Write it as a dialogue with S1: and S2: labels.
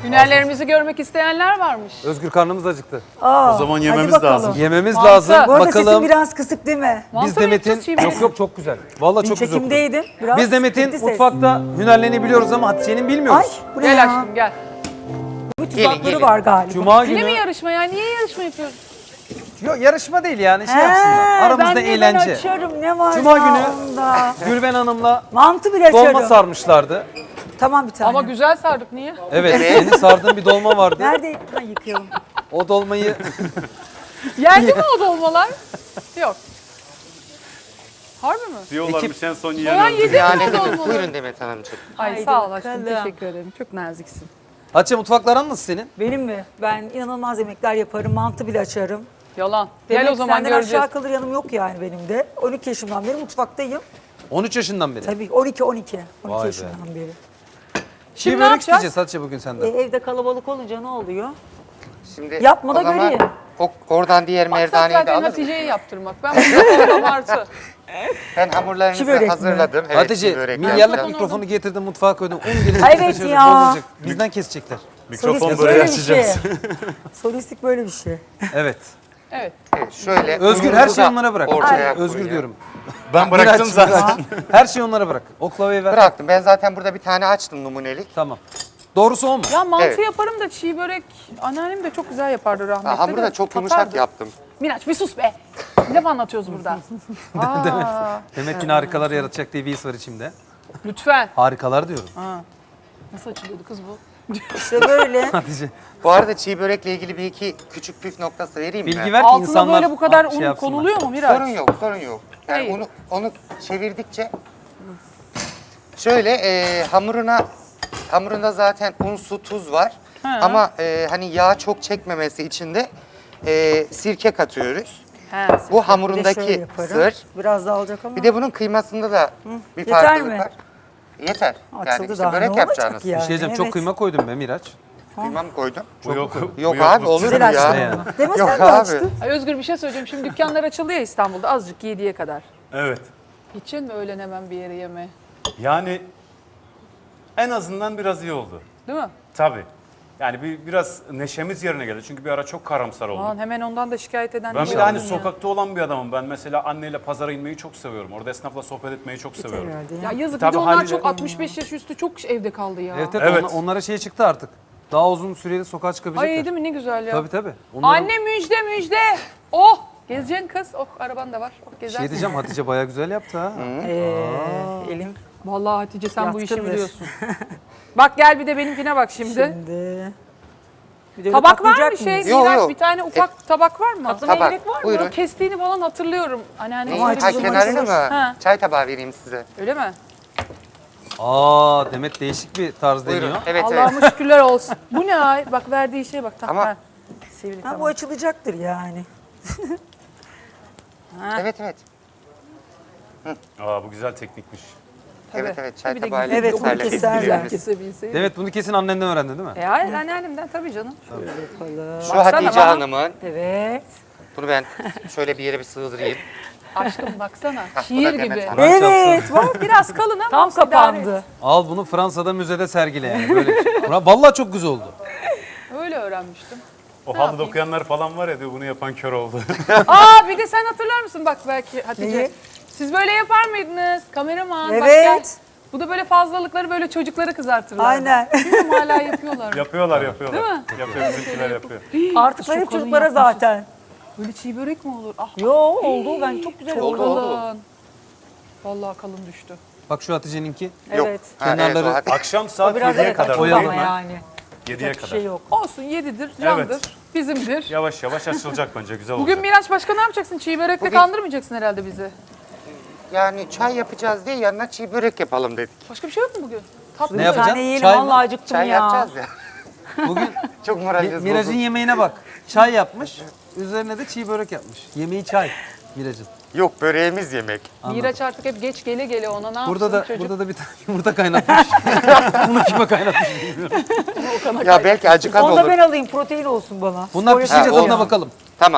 S1: Hünerlerimizi görmek isteyenler varmış.
S2: Özgür, karnımız acıktı.
S3: Aa,
S4: O zaman
S3: hadi
S4: yememiz
S3: bakalım.
S4: lazım.
S2: Yememiz
S1: Mantı.
S2: lazım.
S3: Bu arada
S2: Bakalım.
S3: sesim biraz kısık değil mi?
S2: Biz
S1: Mantı mı
S2: Demet'in...
S1: yapacağız çiğ börek?
S2: Yok çok güzel. Vallahi çok güzel okudu.
S3: Çekimdeydim. Biraz
S2: Biz Demet'in
S3: gitti ses.
S2: mutfakta hünerlerini biliyoruz ama Hatice'nin
S3: Ay
S2: bilmiyoruz.
S3: bu ne
S1: Gel
S3: ya?
S1: aşkım gel.
S3: Bu tuzakları
S4: gelin.
S3: var galiba.
S2: Cuma
S1: Yine mi
S2: günü...
S1: yarışma ya? Niye yarışma yapıyoruz?
S2: Yok yarışma değil yani şey
S3: He,
S2: yapsınlar. Aramızda
S3: ben
S2: eğlence.
S3: açarım ne var
S2: Cuma
S3: ya
S2: günü-
S3: onda.
S2: Gülben Hanım'la
S3: Mantı bile
S2: dolma
S3: açarım.
S2: sarmışlardı.
S3: Tamam bir tane.
S1: Ama güzel sardık niye?
S2: Evet, senin sardığın bir dolma vardı.
S3: Nerede? Ha, yıkayalım.
S2: O dolmayı...
S1: Yendi mi o dolmalar? Yok. Harbi mi?
S4: Diyorlarmış en son
S1: Soğan
S4: yiyen öldü.
S1: yedi mi
S5: Yani
S1: o dolmaları?
S5: buyurun Demet Hanımcığım.
S1: Ay
S3: Haydi
S1: sağ ol aşkım,
S3: bakalım.
S1: teşekkür ederim. Çok naziksin.
S2: Hatice, mutfakların nasıl senin?
S3: Benim mi? Ben inanılmaz yemekler yaparım. Mantı bile açarım.
S1: Yalan.
S3: Demek
S1: Gel o zaman
S3: senden
S1: göreceğiz.
S3: aşağı kalır yanım yok yani benim de. 12 yaşımdan beri mutfaktayım.
S2: 13 yaşından beri.
S3: Tabii 12
S2: Vay be.
S3: yaşımdan beri.
S2: Çiğ
S1: ne
S2: börek
S1: yapacağız?
S2: isteyeceğiz Hatice bugün senden.
S3: Evde kalabalık olunca ne oluyor?
S5: Şimdi
S3: Yapma da
S5: o zaman
S3: göreyim.
S5: Oradan diğer
S1: Maksat
S5: merdaneyi de
S1: zaten
S5: alırım.
S1: Hatice'ye yaptırmak. Ben bu abartı.
S5: Ben
S3: Çiğ
S5: hamurlarınızı
S3: börek mi?
S5: hazırladım. Evet,
S2: Hatice,
S5: çiğ börek
S2: milyarlık
S5: yapacağım.
S2: mikrofonu getirdim mutfağa koydum. 10 gelir
S3: Evet
S2: kaçırır,
S3: ya.
S2: bozulacak. Bizden kesecekler.
S4: Mikrofon
S3: Solistik
S4: böyle
S3: böyle bir şey.
S4: açacağız.
S3: Solistik böyle bir şey.
S2: Evet.
S1: Evet.
S5: Evet, şöyle.
S2: Özgür, her
S5: unumuzu
S2: şeyi
S5: da
S2: onlara bırak.
S5: ortaya
S2: Özgür
S5: koyuyorum.
S2: diyorum.
S4: Ben bıraktım
S2: Miraç,
S4: zaten.
S2: Miraç. Her şeyi onlara bırak. Oklavayı ver.
S5: Bıraktım. Ben zaten burada bir tane açtım numunelik.
S2: Tamam. Doğrusu o mu?
S1: Ya mantı
S5: Evet.
S1: yaparım da çiğ börek anneannem de çok güzel yapardı rahmetli.
S5: Hamuru
S1: de
S5: da çok
S1: tatardı.
S5: yumuşak yaptım.
S1: Miraç bir sus be. Ne anlatıyoruz burada? Aa,
S2: Demek ki harikalar yaratacak diye bir his var içimde.
S1: lütfen.
S2: Harikalar diyorum.
S1: Nasıl açılıyordu kız bu?
S3: İşte böyle.
S2: Hatice.
S5: Bu arada çiğ börekle ilgili bir iki küçük püf noktası vereyim mi?
S2: Bilgi ver ki
S1: Altına
S2: insanlar
S1: böyle bu kadar
S2: şey
S1: un
S2: yapsınlar.
S1: konuluyor mu Miraç?
S5: Sorun yok, sorun yok. Yani
S1: Hayır.
S5: onu çevirdikçe şöyle hamurunda zaten un, su, tuz var. Ama hani yağ çok çekmemesi için de sirke katıyoruz.
S1: He,
S5: Bu
S3: Bir de şöyle
S5: hamurundaki
S3: yaparım.
S5: sır.
S3: Biraz daha alacak ama.
S5: Bir de bunun kıymasında da bir
S3: Yeter
S5: farklılık
S3: mi?
S5: var. Yeter.
S3: Açıldı
S5: Yani işte
S3: daha,
S5: börek
S3: ne olacak
S5: yapacağınız.
S3: ya?
S2: Bir şey diyeceğim, çok
S3: Evet.
S2: kıyma koydum be Miraç.
S5: Kıyma mı koydun?
S4: Bu yok.
S5: Yok
S4: bu
S5: abi
S4: yok.
S5: olur mu
S3: Güzel açtın.
S5: ya?
S2: Yani.
S3: Demet
S5: Yok
S3: sen de
S5: abi.
S3: açtın.
S1: Ay Özgür bir şey söyleyeceğim. Şimdi dükkanlar açıldı ya İstanbul'da azıcık 7'ye kadar.
S4: Evet.
S1: Gideceksin mi öğlen hemen bir yere yeme?
S4: Yani en azından biraz iyi oldu.
S1: Değil mi?
S4: Tabii. Yani biraz neşemiz yerine geldi. Çünkü bir ara çok karamsar olduk.
S1: Aman hemen ondan da şikayet eden
S4: Ben
S1: bir
S4: bir de hani
S1: oldum ya.
S4: sokakta olan bir adamım. Ben mesela anneyle pazara inmeyi çok seviyorum. Orada esnafla sohbet etmeyi çok seviyorum.
S3: Herhalde
S1: Ya
S3: ya.
S1: yazık
S4: Tabii
S1: bir de onlar
S4: haliyle-
S1: çok 65 yaş üstü çok evde kaldı ya.
S2: Evet,
S4: Evet.
S2: Onlara şey çıktı artık. Daha uzun süreli sokağa çıkabilecekler.
S1: Ay değil mi ne güzel ya.
S2: Tabii tabii. Onların...
S1: Anne müjde müjde. Oh gezeceksin kız. Oh araban da var. Oh gezersin.
S2: Şey diyeceğim, Hatice bayağı güzel yaptı ha.
S3: Elim
S1: Vallahi Hatice sen bu işi
S3: Yatkındır.
S1: biliyorsun. Bak gel bir de benimkine bak şimdi.
S3: şimdi. Bir de
S1: Tabak var
S3: katlayacak
S1: mı
S3: mıyız?
S1: şey?
S5: Yok,
S1: Miraç
S5: yok.
S1: bir tane ufak tabak var mı?
S5: Tabak, buyurun.
S1: O kestiğini falan hatırlıyorum. Anneanne
S5: Ha,
S1: şöyle bir zaman
S5: kenarını
S1: olur.
S5: mı?
S1: Ha,
S5: Çay tabağı vereyim size.
S1: öyle mi?
S2: Aa, Demet değişik bir tarz
S5: Buyurun.
S2: deniyor.
S5: Evet evet.
S1: Allah'ıma şükürler olsun. Bu ne ay? Bak verdiği şeye bak.
S5: Ama-
S1: Ha. Sivri
S3: Ha, bu
S1: tamam.
S3: açılacaktır yani.
S5: Evet evet.
S4: Aa bu güzel teknikmiş.
S5: Evet evet. Çay
S1: Bir de
S5: tabağıyla
S3: Evet,
S5: keserler,
S3: bunu keserler.
S5: kesebiliriz.
S1: Kesebilseydim.
S2: Demet bunu kesin annenden öğrendi değil mi?
S1: Hayır anneannemden tabii canım.
S3: Yapalım.
S5: Şu
S1: Baksana
S5: Hatice
S1: bana.
S5: Hanım'ın,
S3: Evet.
S5: bunu ben şöyle bir yere bir sığdırayım.
S1: Aşkım baksana.
S5: bu da
S1: Şiir
S5: Demet
S1: gibi.
S5: Hanım.
S2: Kur'an
S3: Evet.
S2: çarpsın.
S3: Bak
S1: Biraz kalın ama
S3: tam
S1: olsun, idare et.
S3: kapandı.
S2: Al bunu Fransa'da müzede sergile yani. Böyle bir şey. Vallahi çok güzel oldu.
S1: Öyle öğrenmiştim.
S4: O halıda okuyanlar falan var ya diyor bunu yapan kör oldu.
S1: Aa bir de sen hatırlar mısın bak belki Hatice.
S3: Neyi?
S1: Siz böyle yapar mıydınız? Kameraman bak
S3: Evet.
S1: gel. Bu da böyle fazlalıkları böyle çocuklara kızartırlar.
S3: Aynen.
S1: Bilmiyorum hala yapıyorlar.
S4: yapıyorlar. Değil
S1: mi?
S4: Yapıyor bizimkiler yapıyor.
S3: Artık
S1: Çok
S3: hep
S1: kalın
S3: çocuklara
S1: yapmışız.
S3: zaten.
S1: Böyle çiğ börek mi olur? Ah
S3: Yo oldu. Ben çok güzel
S1: çok
S3: oldu.
S1: kalın. Vallahi kalın düştü.
S2: Bak şu Hatice'ninki.
S5: Yok.
S3: Evet.
S5: Ha, evet,
S2: Kenarları-
S5: o Hatice.
S4: Akşam
S3: O
S4: saat
S3: biraz
S4: 7'ye
S3: evet
S4: kadar.
S3: açıldı
S2: Oyalayın
S3: ama
S2: ben.
S3: yani.
S4: 7'ye
S3: Bir
S4: kadar.
S3: şey yok.
S1: Olsun yedidir, candır,
S4: Evet.
S1: bizimdir.
S4: Yavaş yavaş açılacak bence güzel
S1: Bugün
S4: olacak.
S1: Miraç başka ne yapacaksın? Çiğ börekle
S5: Bugün-
S1: kandırmayacaksın herhalde bizi.
S5: Yani çay yapacağız diye yanına çiğ börek yapalım dedik.
S1: Başka bir şey yok mu bugün? Tatlı
S2: Ne
S3: Bir
S1: mı?
S2: yapacağız?
S3: tane yiyelim.
S2: Çay mı?
S3: Vallahi acıktım
S5: Çay
S3: ya.
S5: yapacağız ya.
S2: Bugün
S5: Çok moraliniz
S2: Miraç'ın
S5: bozuldu.
S2: yemeğine bak. Çay yapmış. Üzerine de çiğ börek yapmış. Yemeği çay Miraç'ın.
S5: Yok böreğimiz yemek.
S1: Miraç artık hep geç gele gele ona ne
S2: Burada
S1: yapsın
S2: da
S1: çocuk?
S2: burada da bir tane yumurta kaynatmış. Bunu kime kaynatmış bilmiyorum.
S5: Ya belki acıkan
S3: Onu da ben
S5: olur.
S3: alayım. Protein olsun bana.
S2: Bunlar
S3: Spor
S2: pişince
S3: yapacağım
S2: tadına
S3: ya.
S2: bakalım.